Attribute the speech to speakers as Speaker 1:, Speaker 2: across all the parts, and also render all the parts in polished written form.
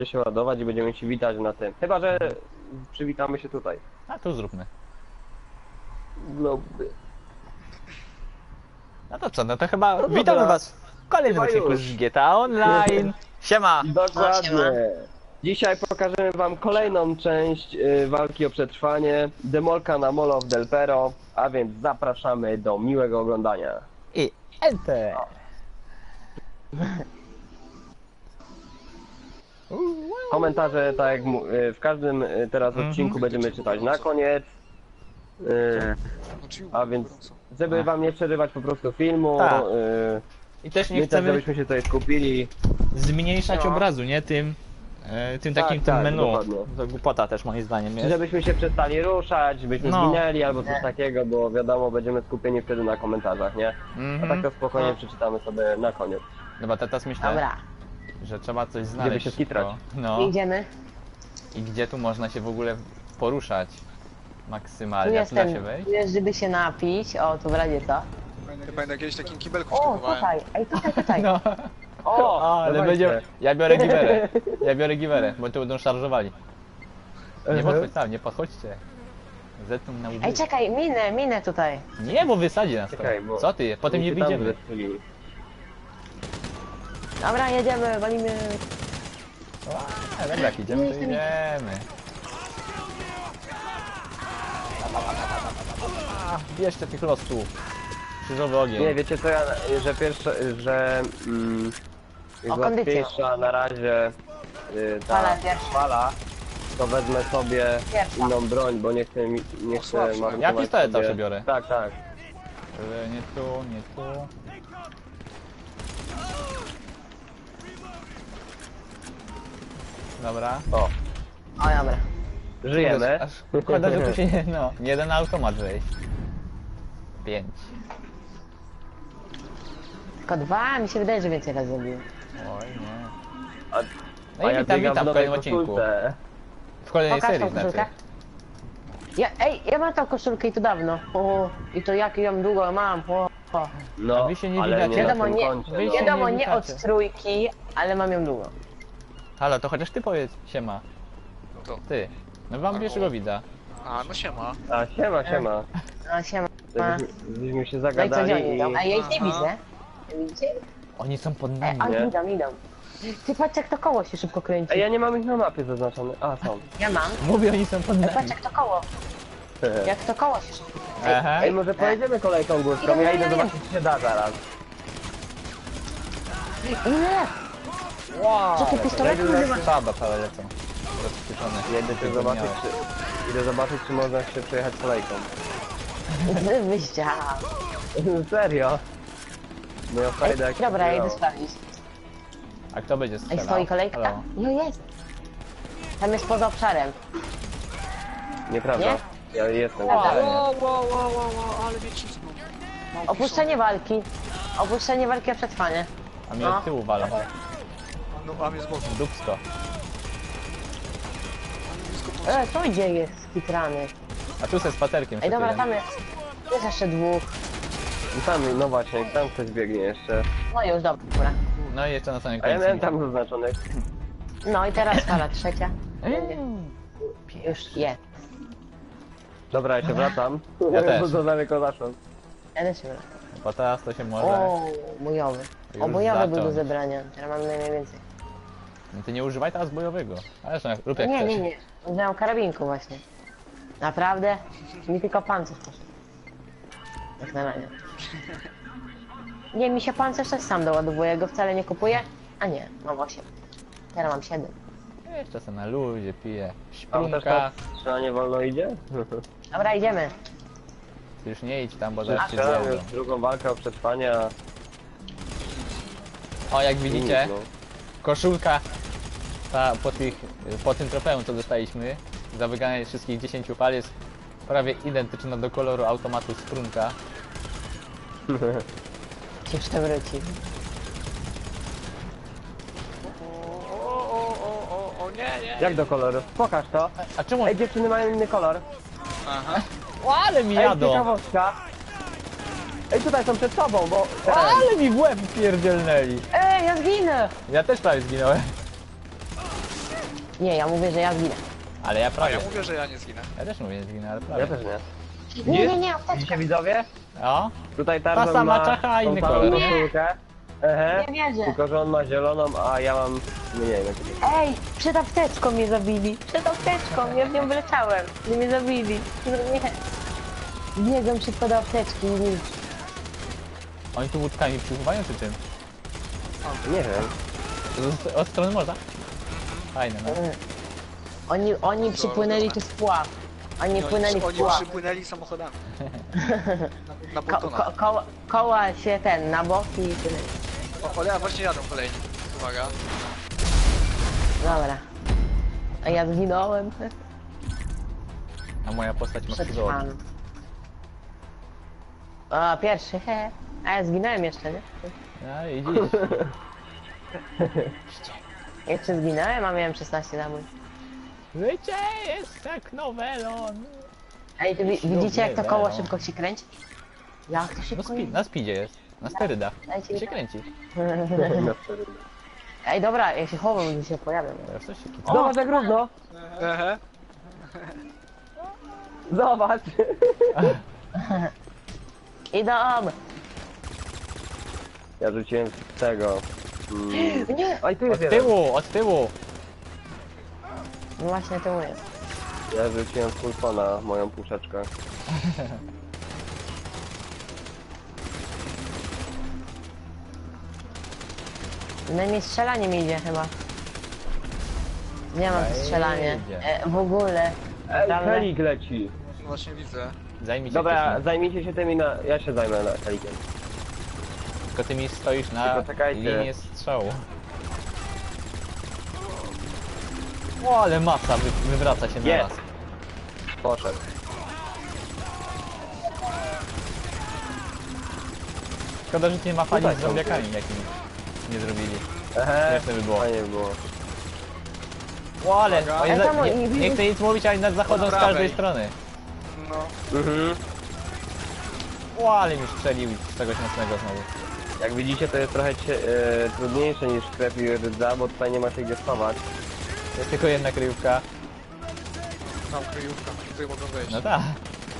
Speaker 1: się ładować i będziemy się witać na tym. Chyba, że przywitamy się tutaj.
Speaker 2: A tu zróbmy.
Speaker 1: Globy.
Speaker 2: No to co, no to chyba
Speaker 1: No
Speaker 2: witamy
Speaker 1: dobra.
Speaker 2: was w kolejnym
Speaker 1: Chyba
Speaker 2: odcinku
Speaker 1: już.
Speaker 2: z GTA Online. Siema!
Speaker 1: Dokładnie. Dzisiaj pokażemy wam kolejną część walki o przetrwanie. Demolka na Mall of Del Perro. A więc zapraszamy do miłego oglądania.
Speaker 2: I enter!
Speaker 1: Komentarze, tak jak w każdym teraz odcinku będziemy czytać na koniec. A więc, żeby wam nie przerywać po prostu filmu,
Speaker 2: Tak. I też nie
Speaker 1: my też,
Speaker 2: chcemy
Speaker 1: żebyśmy się tutaj skupili.
Speaker 2: zmniejszać
Speaker 1: No.
Speaker 2: obrazu, nie? Tym takim
Speaker 1: Tak,
Speaker 2: tym
Speaker 1: tak,
Speaker 2: menu.
Speaker 1: dokładnie.
Speaker 2: To głupota też moim zdaniem jest.
Speaker 1: Żebyśmy się przestali ruszać, byśmy
Speaker 2: No.
Speaker 1: zginęli albo coś takiego, bo wiadomo, będziemy skupieni wtedy na komentarzach, nie? A tak to spokojnie przeczytamy sobie na koniec.
Speaker 2: Dobra, teraz myślę,
Speaker 3: Dobra,
Speaker 2: że trzeba coś znaleźć.
Speaker 1: się skitrać.
Speaker 2: szybko. No.
Speaker 3: idziemy.
Speaker 2: I gdzie tu można się w ogóle poruszać
Speaker 3: Tu
Speaker 2: maksymalnie? A
Speaker 3: jest
Speaker 2: tu da się
Speaker 3: ten,
Speaker 2: wejść?
Speaker 3: tu jest, żeby się napić. O, tu w razie co?
Speaker 4: Pamiętam, kiedyś takim kibelku
Speaker 3: O,
Speaker 4: sztukowałem.
Speaker 3: tutaj, ej, tutaj.
Speaker 2: No.
Speaker 1: O,
Speaker 2: Ale
Speaker 1: dawajcie.
Speaker 2: będzie... Ja biorę giwerę. Ja biorę giwerę, bo tu będą szarżowali. Nie podchodź tam, nie podchodźcie. Zetną na łby.
Speaker 3: Ej, czekaj, minę tutaj.
Speaker 2: Nie, bo wysadzi nas to.
Speaker 1: Czekaj, bo...
Speaker 2: Co ty? Potem nie
Speaker 1: się tam
Speaker 2: wyjdziemy.
Speaker 1: zestrzeli.
Speaker 3: Dobra, jedziemy, walimy.
Speaker 2: A, dobra, jak idziemy, to idziemy. Bierzcie tych losów. Krzyżowy ogień.
Speaker 1: Nie, wiecie co, że pierwsze, że jest
Speaker 3: O, kondycję.
Speaker 1: łatwiejsza na razie ta
Speaker 3: Fala pierwsza.
Speaker 1: fala, to wezmę sobie
Speaker 3: Pierwsza.
Speaker 1: inną broń, bo nie chcę, nie chcę
Speaker 4: słabsza.
Speaker 1: marnować
Speaker 2: Ja pistolet
Speaker 1: sobie...
Speaker 2: zawsze biorę.
Speaker 1: Tak, tak.
Speaker 2: Nie tu, nie tu. Dobra.
Speaker 1: O,
Speaker 3: O, dobra.
Speaker 1: żyjemy.
Speaker 2: Aż szkoda, że tu się nie... No, jeden automat wejść. 5.
Speaker 3: Tylko dwa, mi się wydaje, że więcej razy zrobiłem.
Speaker 2: Oj, nie.
Speaker 1: A,
Speaker 2: No i
Speaker 1: ja
Speaker 2: witam,
Speaker 1: biegam
Speaker 2: witam w
Speaker 1: nowej
Speaker 2: kolejnym odcinku.
Speaker 1: koszulce.
Speaker 2: W kolejnej
Speaker 3: Pokaż tą
Speaker 2: serii
Speaker 3: koszulkę.
Speaker 2: znaczy.
Speaker 3: Ja mam tą koszulkę i to dawno. O, i to jak ją długo mam. O.
Speaker 1: No,
Speaker 2: A wy się nie
Speaker 1: ale
Speaker 2: widać.
Speaker 1: nie na
Speaker 3: Wiadomo,
Speaker 1: tym
Speaker 3: nie,
Speaker 1: koncie,
Speaker 2: wy
Speaker 1: no.
Speaker 2: się
Speaker 3: wiadomo,
Speaker 2: nie
Speaker 3: nie od
Speaker 2: witacie.
Speaker 3: trójki, ale mam ją długo.
Speaker 2: Halo, to chociaż ty powiedz, siema.
Speaker 4: No to.
Speaker 2: Ty. No wam pierwszego widza.
Speaker 4: A, no siema.
Speaker 1: A, siema, siema.
Speaker 3: No, siema.
Speaker 1: Żebyśmy się
Speaker 3: No i co
Speaker 1: zagadali
Speaker 3: oni idą? A ja ich nie
Speaker 4: Aha.
Speaker 3: widzę. Widzicie?
Speaker 2: Oni są pod nami.
Speaker 3: A
Speaker 1: Nie.
Speaker 3: idą. Ty patrz jak to koło się szybko kręci.
Speaker 1: Ej, ja nie mam ich na mapie zaznaczone. A, są.
Speaker 3: Ja mam.
Speaker 2: Mówię, oni są pod nami.
Speaker 3: Patrz jak to koło. Jak to koło się szybko
Speaker 2: Aha.
Speaker 1: Ej, może pojedziemy kolejką górską, ja idę zobaczyć, co się da zaraz.
Speaker 3: Ile? Co ty pistoletem używasz?
Speaker 2: Saba całe lecą. Rozkrzyczone.
Speaker 1: Idę zobaczyć, czy można się przejechać kolejką.
Speaker 3: Wyjścia.
Speaker 1: Serio? No ja fajdę jak
Speaker 3: Dobra, ja
Speaker 1: się
Speaker 3: idę
Speaker 1: działo.
Speaker 3: sprawdzić.
Speaker 2: A kto będzie
Speaker 3: Ej,
Speaker 2: strzelał?
Speaker 3: stoi kolejka?
Speaker 2: Halo.
Speaker 3: No jest. Tam jest poza obszarem.
Speaker 1: Nieprawda?
Speaker 3: Nie?
Speaker 1: Ja jestem.
Speaker 3: Prawda?
Speaker 4: Ale mnie cisną. Mam
Speaker 3: Opuszczenie walki. Opuszczenie walki o przetrwanie.
Speaker 2: A mnie
Speaker 3: No.
Speaker 2: od tyłu walą.
Speaker 4: pistolet. No, a mnie z boku.
Speaker 2: Dupsko.
Speaker 4: Blisko po...
Speaker 3: To gdzie jest skitrany?
Speaker 2: A tu se z paterkiem
Speaker 3: Ej, dobra,
Speaker 2: szedłem.
Speaker 3: tam jest. Jest jeszcze dwóch.
Speaker 1: I tam, no właśnie, tam ktoś biegnie jeszcze.
Speaker 3: No już, dobra.
Speaker 2: No i jeszcze na samym
Speaker 1: A ja
Speaker 2: końcu.
Speaker 1: miałem tam zaznaczone.
Speaker 3: No i teraz fala trzecia. Już jest.
Speaker 1: Dobra, ja się wracam.
Speaker 2: Ja też.
Speaker 1: Bo za daleko zaszłem.
Speaker 3: Ja też się wracam.
Speaker 2: Bo teraz to się może...
Speaker 3: O, bojowy. O,
Speaker 2: Już
Speaker 3: bojowy był do
Speaker 2: zacząć.
Speaker 3: zebrania. Teraz mam najwięcej.
Speaker 2: No ty nie używaj teraz bojowego. Ale zresztą rób jak
Speaker 3: Nie,
Speaker 2: chcesz.
Speaker 3: nie, nie. Użyłem karabinku właśnie. Naprawdę? Mi tylko pancerz poszedł. Jak na razie. Nie, mi się pancerz też sam doładowuje, go wcale nie kupuję. A nie, mam 8. Teraz mam 7.
Speaker 2: Jeszcze se na luzie piję.
Speaker 1: Tam też
Speaker 2: Szprunka.
Speaker 1: tak strzelanie wolno idzie?
Speaker 3: Dobra, idziemy.
Speaker 2: Ty już nie idź tam, bo zaraz cię
Speaker 1: Strzelam
Speaker 2: zjedzą.
Speaker 1: już drugą walkę o przetrwanie, a...
Speaker 2: O, jak widzicie,
Speaker 1: No.
Speaker 2: koszulka ta, po tym trofeum, co dostaliśmy, za wygranie wszystkich 10 pal jest prawie identyczna do koloru automatu Sprunka.
Speaker 3: Ci przewróci.
Speaker 4: O, nie, nie.
Speaker 1: Jak do koloru? Pokaż to.
Speaker 2: A czemu?
Speaker 1: Ej, dziewczyny mają inny kolor.
Speaker 4: Aha.
Speaker 2: O, ale mi
Speaker 1: Ej,
Speaker 2: jadą!
Speaker 1: ciekawostka. Ej, tutaj są przed tobą, bo...
Speaker 2: O, ale mi w łeb pierdzielnęli!
Speaker 3: Ej, ja zginę!
Speaker 2: Ja też prawie zginąłem.
Speaker 3: Nie, ja mówię, że ja zginę.
Speaker 2: Ale ja
Speaker 4: A
Speaker 2: prawie.
Speaker 4: ja mówię, że ja nie zginę.
Speaker 2: Ja też mówię, że zginę, ale prawie.
Speaker 1: Ja też nie.
Speaker 3: Nie, apteczka.
Speaker 1: Widzicie widzowie?
Speaker 2: O,
Speaker 1: Tutaj Tarzan
Speaker 2: sama
Speaker 1: ma
Speaker 2: czacha, a
Speaker 1: tą
Speaker 2: inny
Speaker 1: samą
Speaker 2: kolor, nie?
Speaker 1: koszulkę. Ehe.
Speaker 3: Nie wierzę.
Speaker 1: Tylko, że on ma zieloną, a ja mam... No nie wiem, jak to jest.
Speaker 3: Ej, przed apteczką mnie zabili. Przed apteczką, ja w nią wyleciałem. I mnie zabili. Nie. Biegam szybko do apteczki i nic.
Speaker 2: Oni tu łódkami przypływają czy czym?
Speaker 1: Nie wiem.
Speaker 2: Od strony morza? Fajne, no.
Speaker 3: Oni przypłynęli tu z pław. Oni płynęli w
Speaker 4: Oni
Speaker 3: pław.
Speaker 4: przypłynęli samochodami. Na
Speaker 3: Ko
Speaker 4: pontonach.
Speaker 3: koła się na boki i tyle.
Speaker 4: O, ale właśnie jadą kolejni. Uwaga.
Speaker 3: Dobra. A ja zginąłem.
Speaker 2: A moja postać ma krzyżowo.
Speaker 3: Przetrwam. O, pierwszy, he. A ja zginąłem jeszcze, nie?
Speaker 2: No i widzisz.
Speaker 3: Jeszcze zginąłem, a miałem 16 zabój.
Speaker 2: Życie jest jak nowelon.
Speaker 3: Ej, tu widzicie jak to koło
Speaker 2: no.
Speaker 3: szybko się kręci? Jak to
Speaker 2: No
Speaker 3: szybko
Speaker 2: na speedzie jest. Na sterydach.
Speaker 3: Dajcie mi
Speaker 2: się
Speaker 3: tak.
Speaker 2: kręci.
Speaker 3: Ej, dobra, ja się chowam, gdzie się pojawiam.
Speaker 2: Teraz coś się kica.
Speaker 1: Zobacz jak równo!
Speaker 4: Ehe.
Speaker 1: Zobacz!
Speaker 3: Idą!
Speaker 1: Ja rzuciłem z tego...
Speaker 3: Nie!
Speaker 1: Oj, tu
Speaker 2: Od
Speaker 1: jest jeden.
Speaker 2: tyłu, od tyłu.
Speaker 3: No właśnie to jest.
Speaker 1: Ja rzuciłem z pulfona moją puszeczkę.
Speaker 3: Najmniej strzelanie mi idzie chyba. Nie mam
Speaker 2: Ej,
Speaker 3: strzelanie.
Speaker 2: idzie.
Speaker 3: W ogóle.
Speaker 1: Ej,
Speaker 3: Naprawdę.
Speaker 1: helik leci!
Speaker 4: No właśnie widzę.
Speaker 2: Zajmij się
Speaker 1: Dobra,
Speaker 2: tym.
Speaker 1: zajmijcie się tymi na... Ja się zajmę na helikiem.
Speaker 2: Tylko ty mi stoisz na
Speaker 1: Tylko czekajcie.
Speaker 2: linię strzału. O, ale masa wywraca się na
Speaker 1: Jest.
Speaker 2: raz.
Speaker 1: Poszedł.
Speaker 2: Szkoda, że nie ma fali
Speaker 1: Tutaj
Speaker 2: z
Speaker 1: są
Speaker 2: zombiakami jakimi nie zrobili.
Speaker 1: Ehe,
Speaker 2: Śmieszne by było.
Speaker 1: fajnie by było.
Speaker 2: O, ale
Speaker 4: Uwaga.
Speaker 2: oni
Speaker 3: Ej, tam
Speaker 2: nie,
Speaker 3: oni-
Speaker 2: nie chcę nic mówić, ale nas zachodzą z
Speaker 4: prawej.
Speaker 2: każdej strony.
Speaker 4: No.
Speaker 1: Mhm.
Speaker 2: O, ale mi strzelił z czegoś mocnego znowu.
Speaker 1: Jak widzicie, to jest trochę trudniejsze niż krew i rdza, bo tutaj nie ma się gdzie schować.
Speaker 2: Jest tylko jedna kryjówka.
Speaker 4: Mam kryjówkę, tutaj mogą wejść.
Speaker 2: No tak.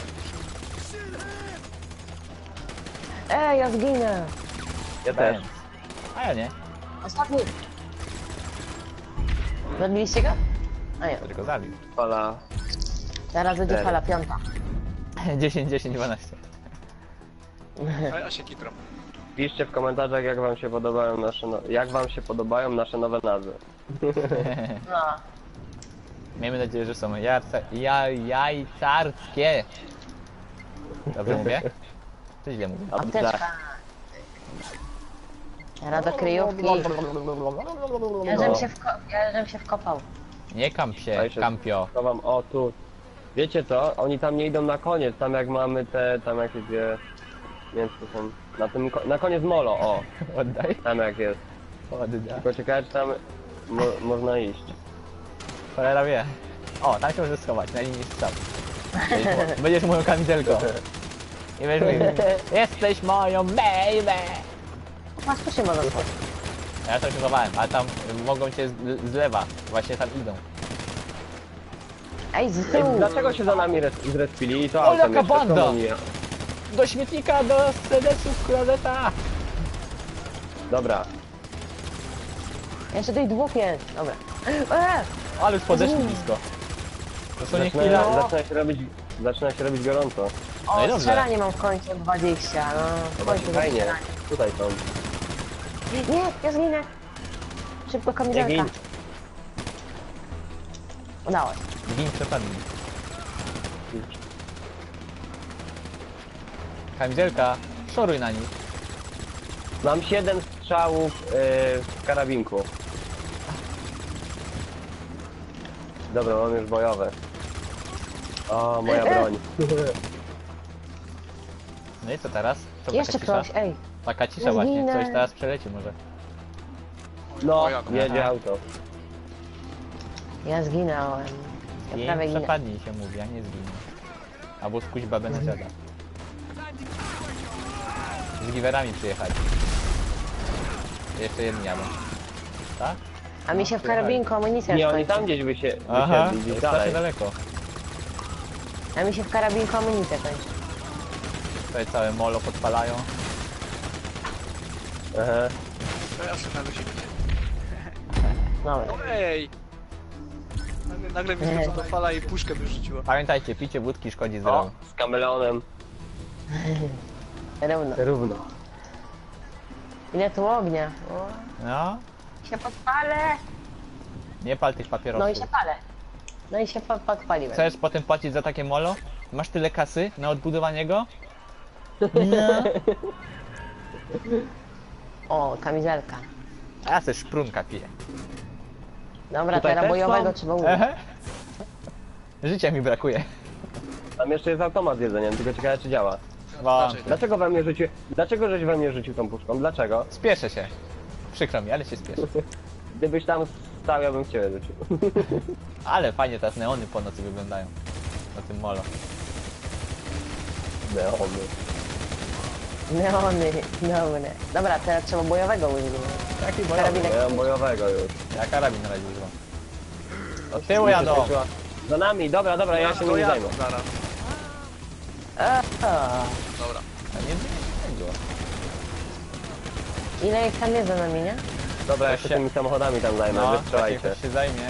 Speaker 3: Ej, ja zginę!
Speaker 1: Ja też.
Speaker 2: A ja nie.
Speaker 3: Ostatni! Zabiliście go? A nie,
Speaker 2: Tylko zabił.
Speaker 1: Fala.
Speaker 3: teraz będzie
Speaker 1: Cztery.
Speaker 3: fala piąta.
Speaker 2: 10, 10, 12.
Speaker 4: A ja się kitram.
Speaker 1: Piszcie w komentarzach, jak wam się podobają jak wam się podobają nasze nowe nazwy.
Speaker 3: No.
Speaker 2: Miejmy nadzieję, że są jajcarskie. Dobrze mówię? Czy źle mówię?
Speaker 3: Apteczka. Teraz do kryjówki. Ja żem się wkopał.
Speaker 2: Nie kamp
Speaker 1: A
Speaker 2: się,
Speaker 1: jeszcze-
Speaker 2: kampio.
Speaker 1: To wam, o tu. Wiecie co? Oni tam nie idą na koniec, tam jak mamy te, tam jakieś dwie... Nie wiem, co to są. Na koniec molo, o.
Speaker 2: Oddaj.
Speaker 1: Tam jak jest.
Speaker 2: Oddaj.
Speaker 1: Tylko ciekawe, czy tam można iść.
Speaker 2: Cholera wie. O, tam się możesz schować, na linii strzał. Będziesz moją kamizelką. I będziesz mówił, jesteś moją baby.
Speaker 3: Masz tu się można schodzić.
Speaker 2: Ja to się chowałem, a tam mogą cię z lewa. Właśnie tam idą.
Speaker 3: Ej, z
Speaker 1: Ej,
Speaker 3: tyłu!
Speaker 1: dlaczego się za nami zrespili? To
Speaker 2: O,
Speaker 1: autem
Speaker 2: jaka
Speaker 1: jeszcze,
Speaker 2: banda!
Speaker 1: skąd oni-
Speaker 2: Do śmietnika, do sedesów, klozeta!
Speaker 3: Ja
Speaker 1: Dobra.
Speaker 3: jeszcze tutaj dwóch jest. Dobra.
Speaker 2: Ale już podeszli blisko. To są nie chwila.
Speaker 1: Zaczyna się robić gorąco.
Speaker 2: No i
Speaker 3: O,
Speaker 2: dobrze.
Speaker 3: strzelanie mam w końcu 20. No, w
Speaker 1: Zobaczcie,
Speaker 3: końcu
Speaker 1: fajnie.
Speaker 3: strzelanie.
Speaker 1: Tutaj są.
Speaker 3: Nie, ja zginę. Szybko
Speaker 1: Nie
Speaker 3: kamizelka.
Speaker 1: gin.
Speaker 3: Udało się.
Speaker 2: Gin przepadli. Kamizelka, szoruj na nich.
Speaker 1: Mam 7 strzałów w karabinku. Dobra, mam już bojowe. O, moja broń.
Speaker 2: No i co teraz? Co
Speaker 3: Jeszcze
Speaker 2: taka cisza?
Speaker 3: ktoś, ej.
Speaker 2: Taka cisza
Speaker 3: Ja
Speaker 2: właśnie,
Speaker 3: zginę.
Speaker 2: coś teraz przeleci może.
Speaker 1: No,
Speaker 4: O, jadą.
Speaker 1: jedzie
Speaker 2: Aha.
Speaker 1: auto.
Speaker 3: Ja zginąłem. Ja
Speaker 2: Gin
Speaker 3: prawie ginę.
Speaker 2: przepadnij się mówi, a nie zginie. Albo skuś babę na dziada. Z giwerami przyjechali. Jeszcze jedni jadą. Tak?
Speaker 3: A mi się w karabinku amunicja
Speaker 1: Nie,
Speaker 3: już
Speaker 1: oni tam
Speaker 3: kończy.
Speaker 1: gdzieś
Speaker 2: Aha,
Speaker 1: wysiedli, gdzieś
Speaker 2: strasznie
Speaker 1: dalej.
Speaker 2: daleko.
Speaker 3: A mi się w karabinku amunicja kończy.
Speaker 2: Tutaj całe molo podpalają.
Speaker 1: Aha.
Speaker 4: To ja sobie na luzie.
Speaker 3: Dobra.
Speaker 4: No ej! Nagle mi skoczyła ta fala i puszkę wyrzuciła.
Speaker 2: Pamiętajcie, picie wódki szkodzi
Speaker 1: O,
Speaker 2: zdrowiu.
Speaker 1: z kameleonem.
Speaker 3: Równo.
Speaker 1: Równo.
Speaker 3: Ile tu ognia? O,
Speaker 2: No,
Speaker 3: się podpalę.
Speaker 2: nie pal tych
Speaker 3: No i
Speaker 2: papierosów.
Speaker 3: się palę. No i się podpaliłem.
Speaker 2: Chcesz potem płacić za takie molo? Masz tyle kasy na odbudowanie go? No.
Speaker 3: O, kamizelka.
Speaker 2: A ja też szprunka piję.
Speaker 3: Dobra,
Speaker 1: Tutaj
Speaker 3: teraz
Speaker 1: też
Speaker 3: bojowego
Speaker 1: są?
Speaker 3: trzeba użyć.
Speaker 2: Ehe. Życia mi brakuje.
Speaker 1: Tam jeszcze jest automat z jedzeniem, tylko ciekawe czy działa.
Speaker 2: Wątpię.
Speaker 1: Dlaczego we mnie rzucił... Dlaczego żeś we mnie rzucił tą puszką? Dlaczego?
Speaker 2: Spieszę się. Przykro mi, ale się spieszę.
Speaker 1: Gdybyś tam stał, ja bym w ciebie rzucił.
Speaker 2: Ale fajnie teraz neony po nocy wyglądają. Na tym molo.
Speaker 1: Neony.
Speaker 3: Neony, dobre. Dobra, teraz trzeba bojowego użyć.
Speaker 2: Jaki
Speaker 3: Karabinek.
Speaker 1: Ja mam bojowego już.
Speaker 2: Ja karabin na razie używam. Od tyłu jadą.
Speaker 1: Za nami, dobra, dobra, ja się
Speaker 4: to
Speaker 1: nimi
Speaker 4: jadę
Speaker 1: zajmę.
Speaker 4: zaraz. Dobra.
Speaker 2: A nie było.
Speaker 3: Ile ich tam jest za nami, nie?
Speaker 1: Dobra, ja się
Speaker 2: się-
Speaker 1: tymi samochodami tam zajmę,
Speaker 2: No, właśnie
Speaker 1: wystrzelajcie.
Speaker 2: ktoś się zajmie.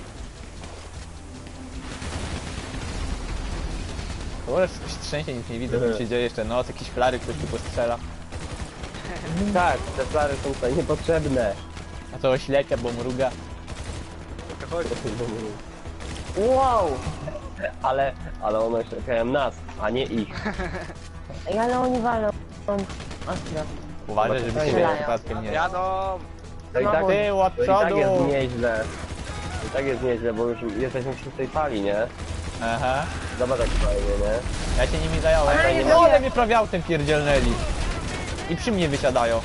Speaker 2: Kurde, wszystko się trzęsie, nic nie widzę, co się dzieje jeszcze noc, jakieś flary ktoś tu postrzela.
Speaker 1: Tak, te flary są tutaj niepotrzebne.
Speaker 2: A to oślepia, bo mruga.
Speaker 4: Chodź.
Speaker 3: Wow!
Speaker 1: Ale one czekają nas, a nie ich.
Speaker 3: Ej, ale oni walą. Ostro.
Speaker 2: Uważaj, żeby ciebie
Speaker 3: Strzelają.
Speaker 2: przypadkiem nie...
Speaker 4: Jadą!
Speaker 1: To i tak,
Speaker 3: Samochód.
Speaker 2: Tył od
Speaker 1: to i tak jest
Speaker 2: przodu!
Speaker 1: nieźle. I tak jest nieźle, bo już jesteśmy przy tej fali, nie?
Speaker 2: Aha.
Speaker 1: Zobacz jak fajnie, nie?
Speaker 2: Ja się nimi zająłem.
Speaker 3: Ale
Speaker 2: Ej,
Speaker 3: nie
Speaker 2: no
Speaker 3: wiem.
Speaker 2: one mnie prawie autem pierdzielnęli. I przy mnie wysiadają.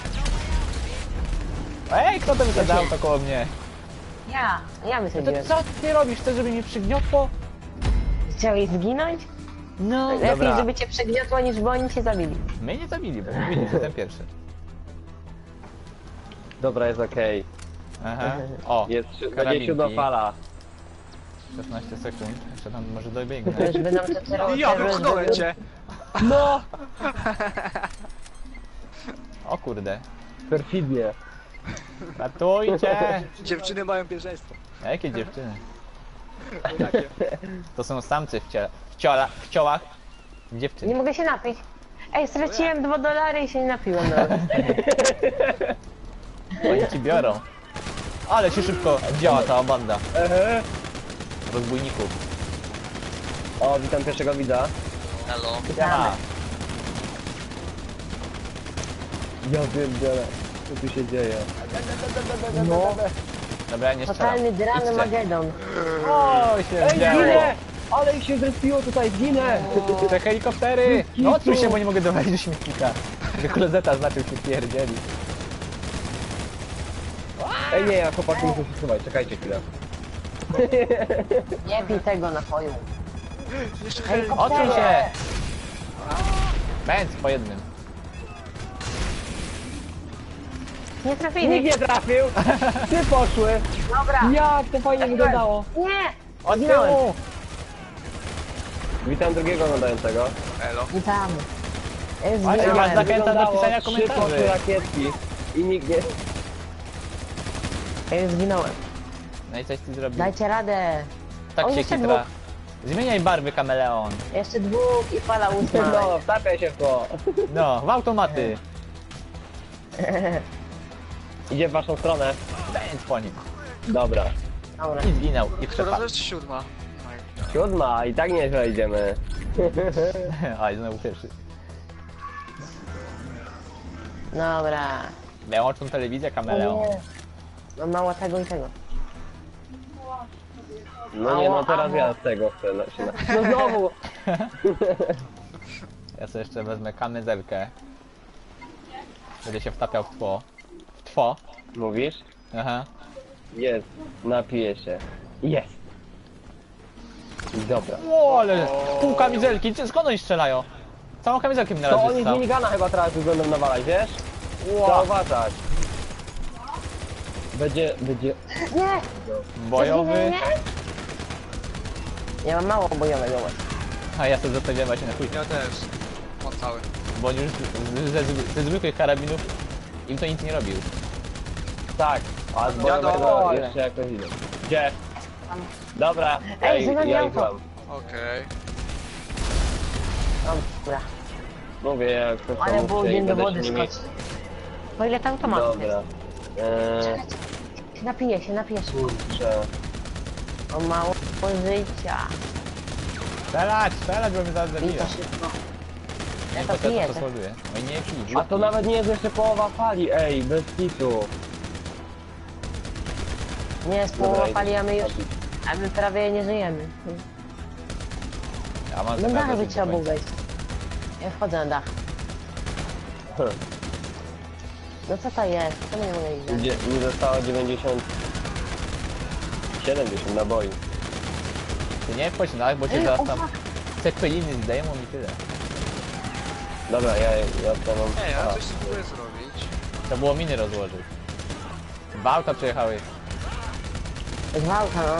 Speaker 2: Ej, kto to wysiadał to koło mnie?
Speaker 3: Ja
Speaker 2: To
Speaker 3: wysadziłem.
Speaker 2: co ty robisz? Chcesz, żeby mnie przygniotło?
Speaker 3: Chciałeś zginąć?
Speaker 2: No.
Speaker 3: Lepiej,
Speaker 1: Dobra.
Speaker 3: żeby cię przegniotło, niż bo oni cię zabili.
Speaker 2: Mnie nie zabili, bo mówili, że ten pierwszy.
Speaker 1: Dobra, jest okej.
Speaker 2: Aha. O,
Speaker 1: Jest,
Speaker 2: karabinki.
Speaker 1: będzie siódma fala.
Speaker 2: 16 sekund. Jeszcze tam może
Speaker 3: To
Speaker 2: dobiegnę.
Speaker 3: już by nam to teraz...
Speaker 4: Ja wypchnąłem cię!
Speaker 1: No!
Speaker 2: O kurde.
Speaker 1: Perfidnie.
Speaker 2: Ratujcie!
Speaker 4: Dziewczyny mają pierwszeństwo.
Speaker 2: A jakie dziewczyny?
Speaker 4: Jakie?
Speaker 2: To są samcy w ciołach.
Speaker 3: Nie
Speaker 2: Dziewczyny.
Speaker 3: mogę się napić. Ej, straciłem $2 i się nie napiłem nawet.
Speaker 2: Oni ci biorą. Ale się szybko działa ta banda
Speaker 1: Ehe.
Speaker 2: rozbójników.
Speaker 1: O, witam pierwszego widza.
Speaker 4: Hello.
Speaker 2: Aha.
Speaker 1: Ja pierdzielę. Co tu się dzieje?
Speaker 3: No.
Speaker 2: Dobra, ja nie strzelam.
Speaker 3: Totalny dran
Speaker 2: Idźcie.
Speaker 3: Magedon.
Speaker 2: O, się
Speaker 1: Ej,
Speaker 2: zdziało.
Speaker 1: ginę! Ale ich się zrespiło tutaj, ginę!
Speaker 2: Te helikoptery! No odsuń się, bo nie mogę dowalić do śmietnika. Tylko klozeta zaczął się pierdzieli.
Speaker 1: Ej, nie, ja chłopaki muszę się schować, czekajcie chwilę.
Speaker 3: Nie pij tego napoju.
Speaker 4: Jeszcze
Speaker 2: Odsuń się! Bęc po jednym.
Speaker 3: Nie
Speaker 1: Nikt
Speaker 3: trafili.
Speaker 1: nie trafił! Ty poszły!
Speaker 3: Dobra.
Speaker 1: Jak to fajnie wyglądało!
Speaker 3: Nie!
Speaker 2: Od
Speaker 3: Zginąłem.
Speaker 2: tyłu!
Speaker 1: Witam drugiego oglądającego.
Speaker 4: Elo.
Speaker 3: Witamy.
Speaker 2: Ale masz
Speaker 3: Zginąłem.
Speaker 2: zachętę do pisania
Speaker 1: 3 poszły
Speaker 2: komentarzy.
Speaker 1: rakietki i nikt nie...
Speaker 3: Ja już zginąłem.
Speaker 2: No i coś ty zrobił.
Speaker 3: Dajcie radę.
Speaker 2: Tak
Speaker 3: O,
Speaker 2: się
Speaker 3: jeszcze
Speaker 2: kitra. Zmieniaj barwy, kameleon.
Speaker 3: Jeszcze dwóch i fala ósma.
Speaker 1: No, wtapiaj się w to!
Speaker 2: No, w automaty.
Speaker 1: Idzie w waszą stronę.
Speaker 2: Bęc po nim.
Speaker 1: Dobra.
Speaker 3: Dobra.
Speaker 2: I zginął. I
Speaker 4: Która to
Speaker 2: przepadł.
Speaker 4: jest siódma?
Speaker 1: 7, i tak nieźle idziemy.
Speaker 2: Oj, znowu pierwszy.
Speaker 3: Dobra.
Speaker 2: Wyłączą telewizję,
Speaker 3: O
Speaker 2: kameleon.
Speaker 3: nie. Mam mało tego i tego.
Speaker 1: No nie, no
Speaker 3: Ała,
Speaker 1: teraz
Speaker 3: ała.
Speaker 1: ja z tego chcę. No znowu!
Speaker 2: Ja sobie jeszcze wezmę kamizelkę. Będę się wtapiał w tło. W tło.
Speaker 1: Mówisz?
Speaker 2: Aha.
Speaker 1: Jest. Napiję się. Jest. Dobra.
Speaker 2: O, ale pół kamizelki. Skąd oni strzelają? Całą kamizelkę mi na
Speaker 1: To
Speaker 2: raz
Speaker 1: oni z
Speaker 2: wystał.
Speaker 1: minigana chyba teraz będą nawalać, wiesz?
Speaker 2: Wow.
Speaker 1: Trzeba uważać. Będzie...
Speaker 3: Nie!
Speaker 2: Bojowy.
Speaker 3: Nie. Ja mam mało bojowego właśnie.
Speaker 2: A ja sobie zostawiłem właśnie na chuj.
Speaker 4: Ja też. Mam cały.
Speaker 2: Bo on już ze zwykłych karabinów im to nic nie robił.
Speaker 1: Tak, a z bojowego
Speaker 3: dole.
Speaker 1: jeszcze jakoś idę. Gdzie? Dobra,
Speaker 3: Ej, za nami
Speaker 1: ja ich
Speaker 3: auto.
Speaker 1: mam.
Speaker 4: Okej.
Speaker 3: Dobra.
Speaker 1: Mówię, jak to
Speaker 3: Ale
Speaker 1: są
Speaker 3: był
Speaker 1: się i
Speaker 3: dzień do
Speaker 1: będę
Speaker 3: wody
Speaker 1: się nimi-
Speaker 3: skoczyć. Po ile tam automatów
Speaker 1: Dobra.
Speaker 3: jest? Napije się.
Speaker 1: Kurczę.
Speaker 3: On ma życia.
Speaker 2: Strzelać, bo mnie zaraz
Speaker 3: I
Speaker 2: zabija.
Speaker 3: to szybko. Ja
Speaker 2: Nie
Speaker 3: to
Speaker 2: potem
Speaker 3: piję.
Speaker 2: to słoduję. Oj nie pij.
Speaker 1: A to nawet nie jest jeszcze połowa fali, ej, bez kitu.
Speaker 3: Nie jest
Speaker 1: Dobra,
Speaker 3: połowa
Speaker 1: idę.
Speaker 3: fali, a my prawie nie żyjemy.
Speaker 2: Ja mam
Speaker 3: No
Speaker 2: zamiar
Speaker 3: dach by
Speaker 2: dożyć
Speaker 3: trzeba
Speaker 2: do
Speaker 3: było
Speaker 2: końca.
Speaker 3: wejść. Ja wchodzę na dach. No co to jest? Co my nie mogę iść?
Speaker 1: Gdzie mi zostało 90... 70 naboi.
Speaker 2: Ty nie wchodź na dach, bo cię
Speaker 3: Ej,
Speaker 2: zaraz
Speaker 3: o
Speaker 2: tam
Speaker 3: fuck.
Speaker 2: cepeliny zdejmą i tyle.
Speaker 1: Dobra, ja to mam...
Speaker 4: Ej, ja
Speaker 1: A,
Speaker 4: coś spróbuję zrobić.
Speaker 2: To było miny rozłożyć. Dwa auta przyjechały.
Speaker 3: Gwałta, no.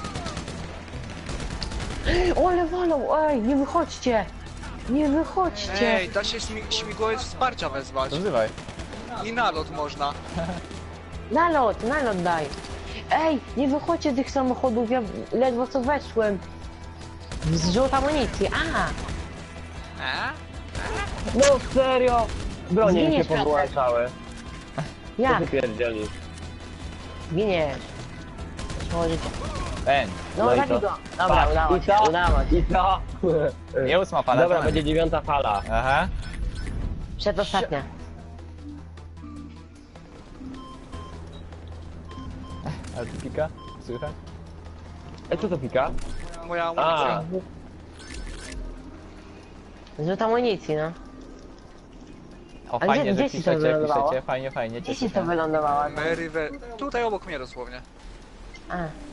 Speaker 3: Ole walą, ej, nie wychodźcie! Nie wychodźcie!
Speaker 4: Ej, da się śmigłowiec wsparcia wezwać.
Speaker 2: Rozrywaj.
Speaker 4: I nalot można.
Speaker 3: Nalot daj! Ej, nie wychodźcie z tych samochodów, ja ledwo co weszłem. Zrzut amunicji,
Speaker 4: E?
Speaker 1: No serio! Bronie mi się
Speaker 3: Zginiesz, Piotrek.
Speaker 1: powyłączały. Co
Speaker 3: jak?
Speaker 1: ty pierdzieli?
Speaker 3: Giniesz. Przechodzicie.
Speaker 2: Ten.
Speaker 3: No,
Speaker 1: No i
Speaker 3: zabij
Speaker 1: co?
Speaker 3: go. Dobra,
Speaker 1: Patrz,
Speaker 3: udało
Speaker 1: i
Speaker 3: się,
Speaker 1: to,
Speaker 3: udało się.
Speaker 1: I to!
Speaker 2: Nie ósma fala.
Speaker 1: Dobra,
Speaker 2: co
Speaker 1: będzie
Speaker 2: nam?
Speaker 1: 9 fala.
Speaker 2: Aha.
Speaker 3: Przedostatnia.
Speaker 2: Ale tu pika? Słychać?
Speaker 1: Ej, co to pika?
Speaker 4: Moja
Speaker 1: A,
Speaker 4: amunicja.
Speaker 3: Zrzut amunicji, no.
Speaker 2: O
Speaker 3: A
Speaker 2: fajnie,
Speaker 3: gdzie
Speaker 2: że
Speaker 3: ci to
Speaker 2: piszecie,
Speaker 3: wylądowało?
Speaker 2: fajnie,
Speaker 3: Gdzie
Speaker 2: cieszę
Speaker 3: ci to
Speaker 2: się.
Speaker 3: wylądowało?
Speaker 4: Tutaj obok mnie dosłownie.
Speaker 3: A,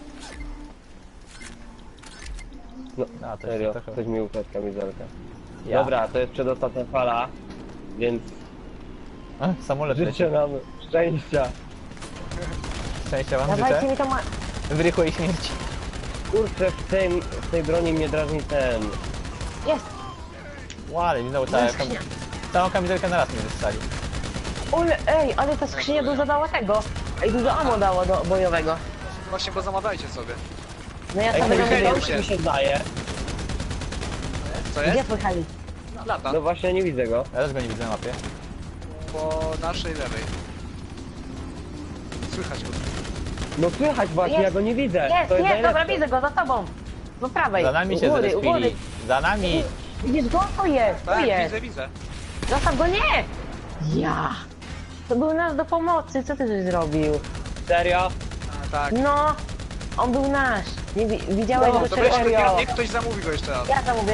Speaker 2: A, to
Speaker 1: serio,
Speaker 2: jest trochę...
Speaker 1: ktoś mi ukradł kamizelkę.
Speaker 2: Ja.
Speaker 1: Dobra, to jest przedostatnia fala, więc
Speaker 2: A, samolot leci.
Speaker 1: życzę nam szczęścia.
Speaker 2: Szczęścia wam
Speaker 3: dawajcie
Speaker 2: życzę.
Speaker 3: mi to ma...
Speaker 2: W rychłej śmierci.
Speaker 1: Kurczę, w tej broni mnie drażni ten...
Speaker 3: Jest!
Speaker 2: Łale, mi znowu
Speaker 3: Jest skrzynia.
Speaker 2: całą kamizelkę na raz mi wystrzeli.
Speaker 3: Ole, ej, ale ta skrzynia dużo dała tego. Ej, dużo ammo dało do bojowego.
Speaker 4: Właśnie, bo zamawiajcie sobie.
Speaker 3: No ja
Speaker 1: Ej,
Speaker 3: sobie
Speaker 1: mój
Speaker 3: robię...
Speaker 1: helik mi się zdaje.
Speaker 4: Co
Speaker 3: Gdzie
Speaker 4: jest?
Speaker 3: pojechali?
Speaker 4: Lata.
Speaker 1: No właśnie, nie widzę go.
Speaker 2: Ja też go nie widzę na mapie.
Speaker 4: Po naszej lewej. Słychać go.
Speaker 1: No słychać właśnie,
Speaker 3: Jest.
Speaker 1: ja go nie widzę.
Speaker 3: Jest,
Speaker 1: To jest
Speaker 3: jest, dobra,
Speaker 1: najlepsze.
Speaker 3: widzę go, za tobą. Po prawej.
Speaker 2: Za nami się
Speaker 3: u góry, u góry.
Speaker 2: zrespili. Za nami.
Speaker 3: Widzisz go? Tu jest, tu
Speaker 4: Tak,
Speaker 3: jest.
Speaker 4: widzę.
Speaker 3: Zostaw go, nie! Ja! To był nasz do pomocy, co ty żeś zrobił?
Speaker 1: Serio?
Speaker 4: A, tak.
Speaker 3: No! On był nasz! Nie widziałeś
Speaker 1: No,
Speaker 3: go
Speaker 4: Dobra, jeszcze
Speaker 3: serio?
Speaker 4: niech ktoś zamówi go jeszcze raz.
Speaker 3: Ja zamówię,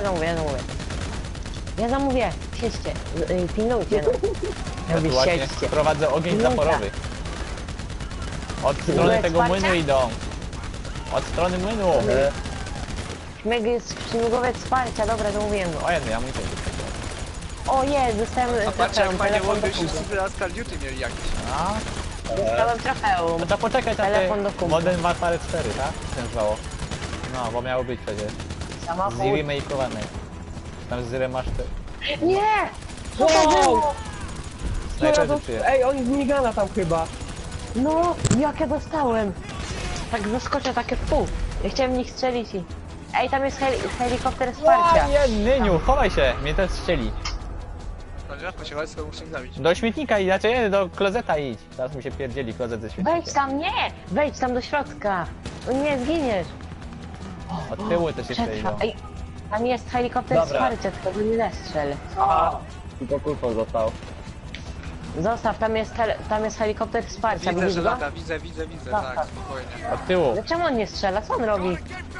Speaker 3: ja zamówię. Siedźcie, pilnujcie. No.
Speaker 2: Ja tu właśnie
Speaker 3: Siedźcie.
Speaker 2: prowadzę ogień
Speaker 3: Minuta.
Speaker 2: zaporowy. Od strony
Speaker 3: Minuta
Speaker 2: tego
Speaker 3: wsparcia?
Speaker 2: młynu idą. Od strony młynu.
Speaker 3: Śmigłowiec wsparcia, dobra, zamówiłem go.
Speaker 2: O jednej amunicji.
Speaker 3: O jest, dostałem
Speaker 4: A patrzcie, jak fajnie
Speaker 3: telefon do
Speaker 4: łączy się
Speaker 3: kumpla.
Speaker 4: z Last Call Duty mieli jakiś.
Speaker 2: A,
Speaker 3: Dostałem trofeum.
Speaker 2: no to poczekać na te
Speaker 3: Telefon do kumpla.
Speaker 2: Modern Warfare 4, tak? Się nazywało. No, bo miało być przecież.
Speaker 3: Samochód.
Speaker 2: Zremakeowane. Tam z remaster...
Speaker 3: Nie! Co to
Speaker 1: Wow!
Speaker 3: było?
Speaker 2: Snajperzy przyjechali.
Speaker 1: Ej, oni z minigana tam chyba.
Speaker 3: No, jak ja dostałem. Tak zaskoczę takie w pół. Ja chciałem w nich strzelić i... Ej, tam jest helikopter wsparcia.
Speaker 2: Nyniu, chowaj się, mnie też strzeli.
Speaker 4: Dobra, pociechać, sobie muszę ich zabić.
Speaker 2: Do śmietnika idź, znaczy nie, do klozeta idź. Teraz mi się pierdzieli klozet ze śmietnikiem.
Speaker 3: Wejdź tam, nie! Wejdź tam do środka. O nie, zginiesz.
Speaker 2: Od tyłu też jeszcze
Speaker 3: Przetrwa.
Speaker 2: idą.
Speaker 3: Ej, tam jest helikopter
Speaker 1: Dobra.
Speaker 3: wsparcia, tylko go nie zestrzel.
Speaker 1: A, tylko kulfon został.
Speaker 3: Zostaw, tam jest helikopter wsparcia,
Speaker 4: Widzę,
Speaker 3: widzisz
Speaker 4: że
Speaker 3: go?
Speaker 4: lata, widzę,
Speaker 3: Tak,
Speaker 4: tak, spokojnie.
Speaker 2: Od tyłu.
Speaker 3: No czemu on nie strzela? Co on robi?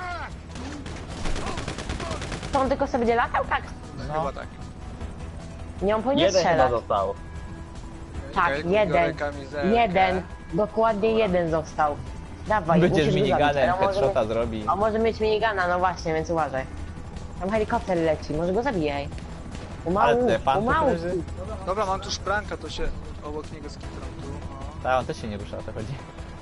Speaker 3: To on tylko sobie będzie latał? Tak.
Speaker 2: No.
Speaker 4: Chyba tak.
Speaker 3: Nie, on powinien
Speaker 1: Jeden chyba
Speaker 3: strzelać.
Speaker 1: został.
Speaker 3: Tak,
Speaker 4: Okej,
Speaker 3: jeden.
Speaker 4: biorę kamizelkę.
Speaker 3: Jeden. Dokładnie jeden został. Dawaj,
Speaker 2: Będzie z
Speaker 3: musisz go zabić.
Speaker 2: miniganem,
Speaker 3: A może
Speaker 2: headshota
Speaker 3: mieć-
Speaker 2: zrobi.
Speaker 3: A może mieć minigana, no właśnie, więc uważaj. Tam helikopter leci, może go zabijaj.
Speaker 2: Ale
Speaker 3: Umału,
Speaker 2: te fan
Speaker 3: umału.
Speaker 2: leży.
Speaker 4: Dobra, mam tu szpranka, to się obok niego skitram tu. O.
Speaker 2: Tak, on też się nie rusza, o to chodzi.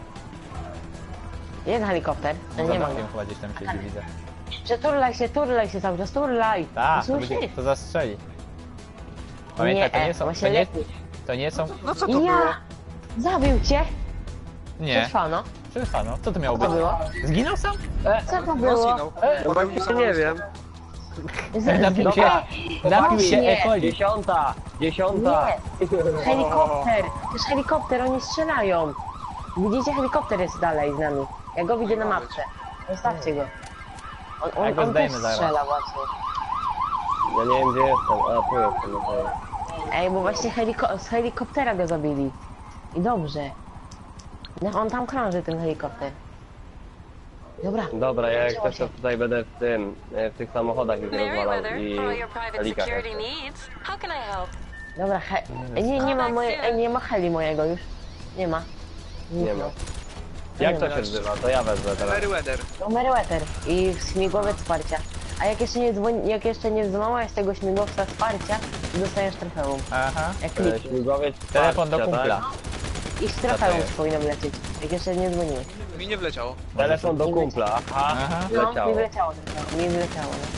Speaker 3: Jest helikopter,
Speaker 2: No,
Speaker 3: nie ma
Speaker 2: za
Speaker 3: go.
Speaker 2: chyba gdzieś tam siedzi, widzę.
Speaker 3: Turlaj się cały czas, turlaj!
Speaker 2: Tak, to,
Speaker 3: Słyszysz?
Speaker 2: to zastrzeli. Pamiętaj, to nie są,
Speaker 3: właśnie
Speaker 2: to nie,
Speaker 3: lepiej.
Speaker 2: to nie są,
Speaker 4: No co to było?
Speaker 3: Ja! Zabił cię!
Speaker 2: nie,
Speaker 3: Przetrwano.
Speaker 2: przetrwano, co to miało
Speaker 3: Co to
Speaker 2: być?
Speaker 3: było?
Speaker 2: Zginął sam?
Speaker 3: Co to
Speaker 4: No
Speaker 3: było?
Speaker 4: zginął.
Speaker 1: No właśnie nie wiem.
Speaker 2: Napił się,
Speaker 3: Dobra,
Speaker 2: napił się
Speaker 3: właśnie.
Speaker 2: E. coli.
Speaker 1: Dziesiąta!
Speaker 3: Nie! Helikopter! To jest helikopter, oni strzelają! Widzicie, helikopter jest dalej z nami. Ja go widzę na mapce. Zostawcie go.
Speaker 2: Ja go
Speaker 3: On też
Speaker 2: zdejmę zaraz.
Speaker 3: strzela właśnie.
Speaker 1: Ja nie wiem gdzie jestem. A, tu jestem. No to...
Speaker 3: Ej, bo właśnie z helikoptera go zabili. I dobrze. Niech on tam krąży, ten helikopter. Dobra.
Speaker 1: Dobra, ja jak
Speaker 3: Zaczęło
Speaker 1: coś to
Speaker 3: się.
Speaker 1: tutaj będę w tych samochodach już rozwalał
Speaker 5: Merryweather,
Speaker 1: i
Speaker 5: for all your private
Speaker 1: helikach
Speaker 5: security
Speaker 1: jeszcze.
Speaker 5: needs. How can I help?
Speaker 3: Dobra, nie ma nie ma heli mojego już. Nie ma.
Speaker 1: Nie ma. Jak to się nazywa? To ja wezmę teraz.
Speaker 4: Merryweather.
Speaker 3: No Meriwether i śmigłowiec wsparcia. A jak jeszcze nie złamałeś tego śmigłowca wsparcia, to dostajesz trofeum.
Speaker 2: Aha,
Speaker 3: Jak klikniesz.
Speaker 1: Śmigłowiec
Speaker 2: telefon do
Speaker 1: wsparcia,
Speaker 2: kumpla.
Speaker 1: tak?
Speaker 3: I z
Speaker 2: to
Speaker 3: trofeum
Speaker 2: jest?
Speaker 3: powinno lecieć. Jak jeszcze nie dzwoniłeś.
Speaker 4: Mi nie wleciało.
Speaker 1: Telefon do kumpla. Aha,
Speaker 2: Aha.
Speaker 3: No,
Speaker 1: leciało.
Speaker 3: mi wleciało trofeum. Mi wleciało, no.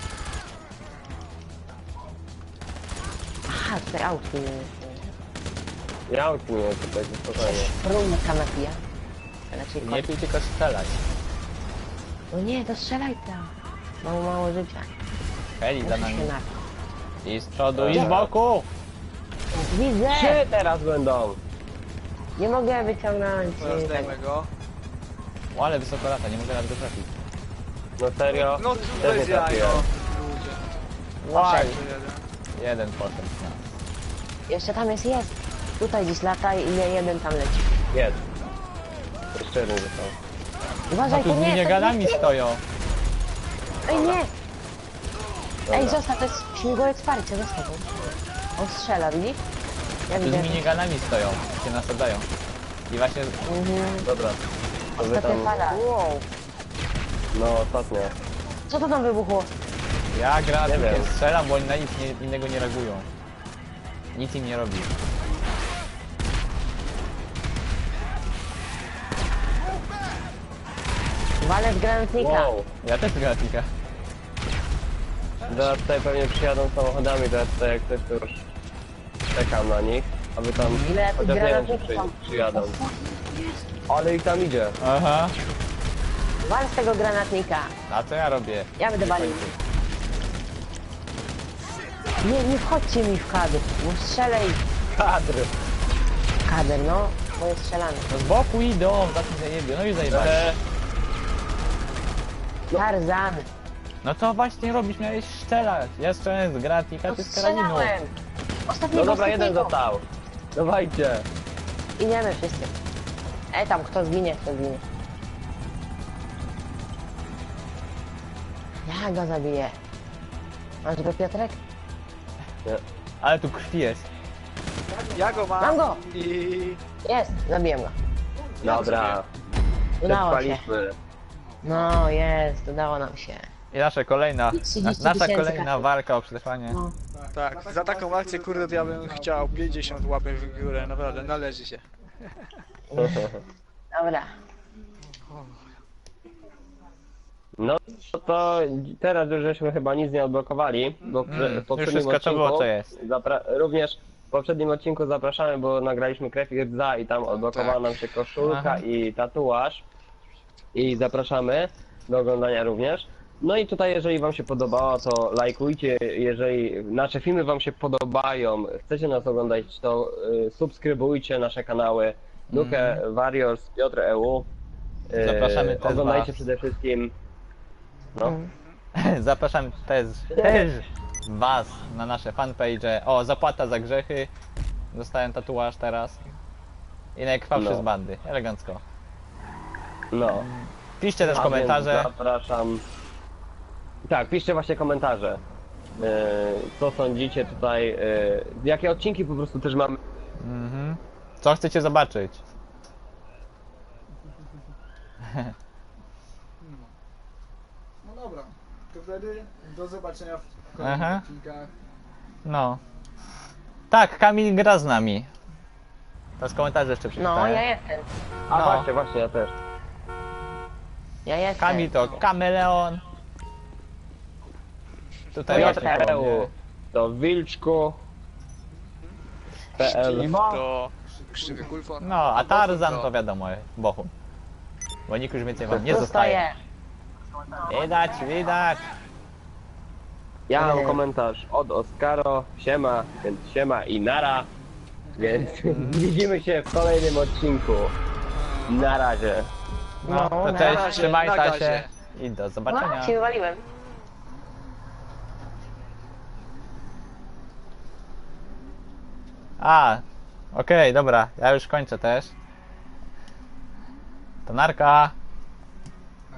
Speaker 3: Aha, tutaj autki nie jest.
Speaker 1: Ja uczynię tutaj spokojnie.
Speaker 3: Rumka napija. Raczej
Speaker 2: Nie
Speaker 3: kot.
Speaker 2: pij, tylko strzelać.
Speaker 3: No nie, to strzelaj tam. Mało, mało życia.
Speaker 2: Heli za
Speaker 3: Muszę
Speaker 2: nami.
Speaker 3: się napić.
Speaker 2: I z przodu, i z
Speaker 1: Dobra.
Speaker 2: boku.
Speaker 3: Widzę!
Speaker 1: Trzy teraz będą.
Speaker 3: Nie mogę wyciągnąć.
Speaker 4: Teraz
Speaker 3: tego.
Speaker 4: dajmy go.
Speaker 2: O, ale wysoko lata, nie mogę nawet go trafić.
Speaker 1: No serio?
Speaker 4: No
Speaker 1: Też
Speaker 4: bez
Speaker 1: nie
Speaker 4: jajo.
Speaker 1: trafiłem.
Speaker 4: Ludzie.
Speaker 2: Łaj.
Speaker 4: To jeden.
Speaker 2: Jeden poszedł.
Speaker 3: Jeszcze tam jest. Tutaj gdzieś lata i jeden tam leci.
Speaker 1: Jest. Jeszcze jeden został.
Speaker 2: No
Speaker 3: Uważaj,
Speaker 2: tu
Speaker 3: to
Speaker 2: z
Speaker 3: nie, to
Speaker 2: miniganami
Speaker 3: nie.
Speaker 2: stoją.
Speaker 3: Ej, nie! Ej,
Speaker 1: Dobra.
Speaker 3: zostaw, to jest śmigłowiec wsparcia, zostaw go. On strzela, widzisz? Ja
Speaker 2: Tu
Speaker 3: widzę.
Speaker 2: z miniganami stoją, się nasadzają. I właśnie
Speaker 1: Dobra. To wy
Speaker 3: Ostatnia
Speaker 1: tam...
Speaker 3: fala. Wow.
Speaker 1: No ostatnia.
Speaker 3: Co to tam wybuchło?
Speaker 2: ja gra
Speaker 1: Nie wiem.
Speaker 2: strzelam, bo oni na nic innego nie reagują. Nic im nie robi.
Speaker 3: Walec granatnika.
Speaker 1: Wow.
Speaker 2: Ja też gratnika.
Speaker 1: Teraz tutaj pewnie przyjadą samochodami, to ja tutaj jak ktoś to już czekam na nich. A wy tam...
Speaker 3: Ile tych
Speaker 1: chociaż nie wiem, czy
Speaker 3: granatników tam?
Speaker 1: przyjadą. Ale ich tam idzie.
Speaker 2: Aha.
Speaker 3: Wal z tego granatnika.
Speaker 2: A co ja robię?
Speaker 3: Ja będę walił. Nie wchodźcie mi w kadr, bo strzelaj.
Speaker 1: Kadr!
Speaker 3: Kader, no. Bo jest strzelany.
Speaker 2: No z boku idą, za tym zajebie, no i zajebali.
Speaker 3: Tarzan.
Speaker 2: No co właśnie robisz? Miałeś strzelać. Ja strzelałem z gratnika,
Speaker 3: No
Speaker 2: ty z karabinu.
Speaker 3: strzelałem. Ostatniego,
Speaker 1: No dobra, jeden
Speaker 3: ostatniego.
Speaker 1: został. Dawajcie.
Speaker 3: Idziemy wszyscy. Tam, kto zginie, kto zginie. Ja go zabiję. Masz go, Piotrek?
Speaker 1: Nie.
Speaker 2: Ale tu krwi jest.
Speaker 4: Ja go mam.
Speaker 3: Mam go!
Speaker 4: I...
Speaker 3: Jest, zabiłem go.
Speaker 1: Dobra.
Speaker 3: Udało się.
Speaker 1: Przetrwaliśmy.
Speaker 3: No, jest, udało nam się.
Speaker 2: I nasza kolejna,
Speaker 3: 30
Speaker 2: nasza
Speaker 3: tysięcy
Speaker 2: kolejna
Speaker 3: kasy.
Speaker 2: walka o przetrwanie.
Speaker 3: No.
Speaker 4: Tak, za taką akcję, kurde, to ja bym chciał 50 łapek w górę, naprawdę, należy się.
Speaker 3: Dobra.
Speaker 1: No to teraz już żeśmy chyba nic nie odblokowali, bo w
Speaker 2: już
Speaker 1: poprzednim
Speaker 2: wszystko to było, co jest.
Speaker 1: również w poprzednim odcinku zapraszamy, bo nagraliśmy krew i rdza i tam odblokowała
Speaker 4: Tak.
Speaker 1: nam się koszulka
Speaker 2: Aha.
Speaker 1: i tatuaż. I zapraszamy do oglądania również. No i tutaj jeżeli wam się podobało, to lajkujcie, jeżeli nasze filmy wam się podobają, chcecie nas oglądać, to subskrybujcie nasze kanały Nuke, Warriors, Piotr EU.
Speaker 2: Zapraszamy też
Speaker 1: Oglądajcie
Speaker 2: was.
Speaker 1: przede wszystkim. No.
Speaker 2: Zapraszamy też was na nasze fanpage. O, zapłata za grzechy. Dostałem tatuaż teraz. I najkrwawszy
Speaker 1: No.
Speaker 2: z bandy. Elegancko.
Speaker 1: No.
Speaker 2: Piszcie też
Speaker 1: A
Speaker 2: komentarze.
Speaker 1: więc zapraszam. Tak, piszcie właśnie komentarze. Co sądzicie tutaj? Jakie odcinki po prostu też mamy?
Speaker 2: Mhm. Co chcecie zobaczyć?
Speaker 6: No dobra, to wtedy do zobaczenia w kolejnych
Speaker 2: Aha.
Speaker 6: odcinkach.
Speaker 2: No. Tak, Kamil gra z nami. Teraz komentarze jeszcze
Speaker 3: No,
Speaker 2: przeczytałem.
Speaker 3: ja jestem.
Speaker 1: A
Speaker 2: No.
Speaker 1: właśnie, ja też.
Speaker 3: Ja jestem.
Speaker 2: Kamil to kameleon. Tutaj
Speaker 1: Ja
Speaker 2: właśnie koło
Speaker 1: Teo.
Speaker 2: mnie.
Speaker 1: To Wilczku. PL.
Speaker 4: To krzywy kulfon.
Speaker 2: No, a Tarzan to wiadomo, Bochum. Bo nikt już więcej wam nie
Speaker 3: Tu
Speaker 2: zostaje.
Speaker 3: stoję.
Speaker 2: Widać, widać.
Speaker 1: Ja mam komentarz od Oskaro. Siema, więc siema i nara. Więc widzimy się w kolejnym odcinku. Na razie.
Speaker 2: No,
Speaker 3: No,
Speaker 2: to
Speaker 3: na
Speaker 2: cześć,
Speaker 4: razie,
Speaker 2: trzymaj
Speaker 4: na
Speaker 2: się
Speaker 4: gazie.
Speaker 2: i do
Speaker 3: No,
Speaker 2: zobaczenia.
Speaker 3: się wywaliłem.
Speaker 2: A, okej, dobra, ja już kończę też. To narka.